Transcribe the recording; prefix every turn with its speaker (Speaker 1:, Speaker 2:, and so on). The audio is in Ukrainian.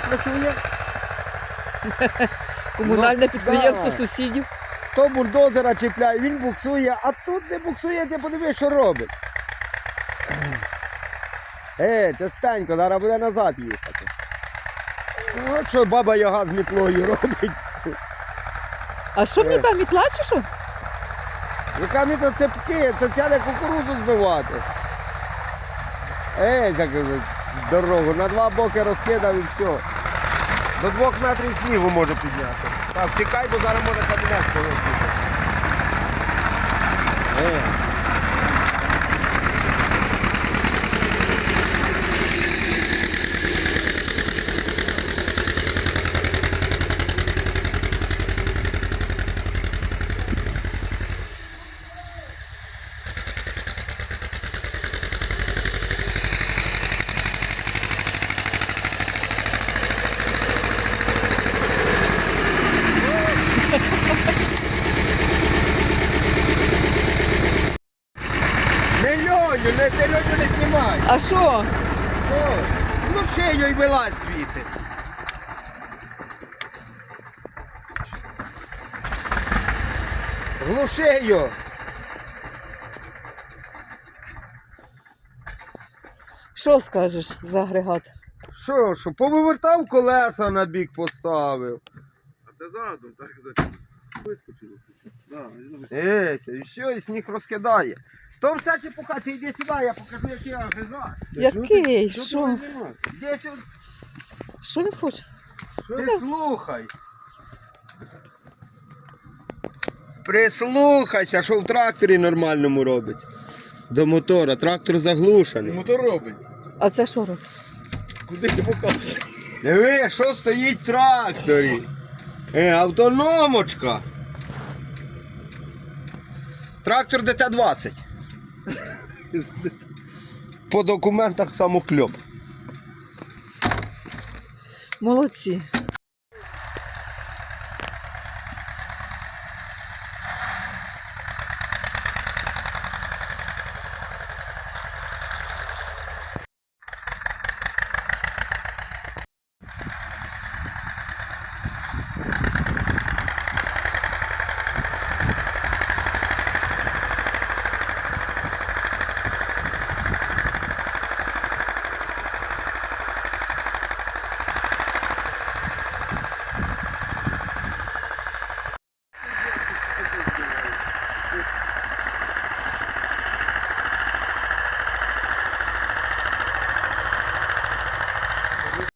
Speaker 1: працює.
Speaker 2: Комунальне підприємство
Speaker 1: да.
Speaker 2: сусідів.
Speaker 1: То бульдозера чіпляє, він буксує, а тут не буксує, ти подивись, що робить. Частенько, зараз буде назад їхати. От що баба Яга з мітлою робить.
Speaker 2: А що мені там, мітла чи що?
Speaker 1: Яка мітла цепки, це ця кукурудзу збивати. Як дорогу, на два боки розкидав і все. До 2 метрів снігу може підняти. Так, тікай, бо зараз може кабінет полетіти. Ти Льоню не знімай.
Speaker 2: А що?
Speaker 1: Що? Ну шию й вилазь звідти. Глуши його.
Speaker 2: Що скажеш за агрегат?
Speaker 1: Що, повивертав колеса на бік поставив.
Speaker 3: А це задом, так? Вискочило.
Speaker 1: І все, і сніг розкидає. То все чепуха, ти йди сюди, я покажу, який агрегат.
Speaker 2: Який? Що?
Speaker 1: Іди сюди.
Speaker 2: Що він хоче?
Speaker 1: Ти слухай. Прислухайся, що в тракторі нормальному робиться. До мотора, трактор заглушений.
Speaker 3: Мотор робить.
Speaker 2: А це що робить?
Speaker 3: Куди ти показуєш?
Speaker 1: Диви, що стоїть в тракторі. Автономочка. Трактор ДТ-20. По документах самокльоп.
Speaker 2: Молодці.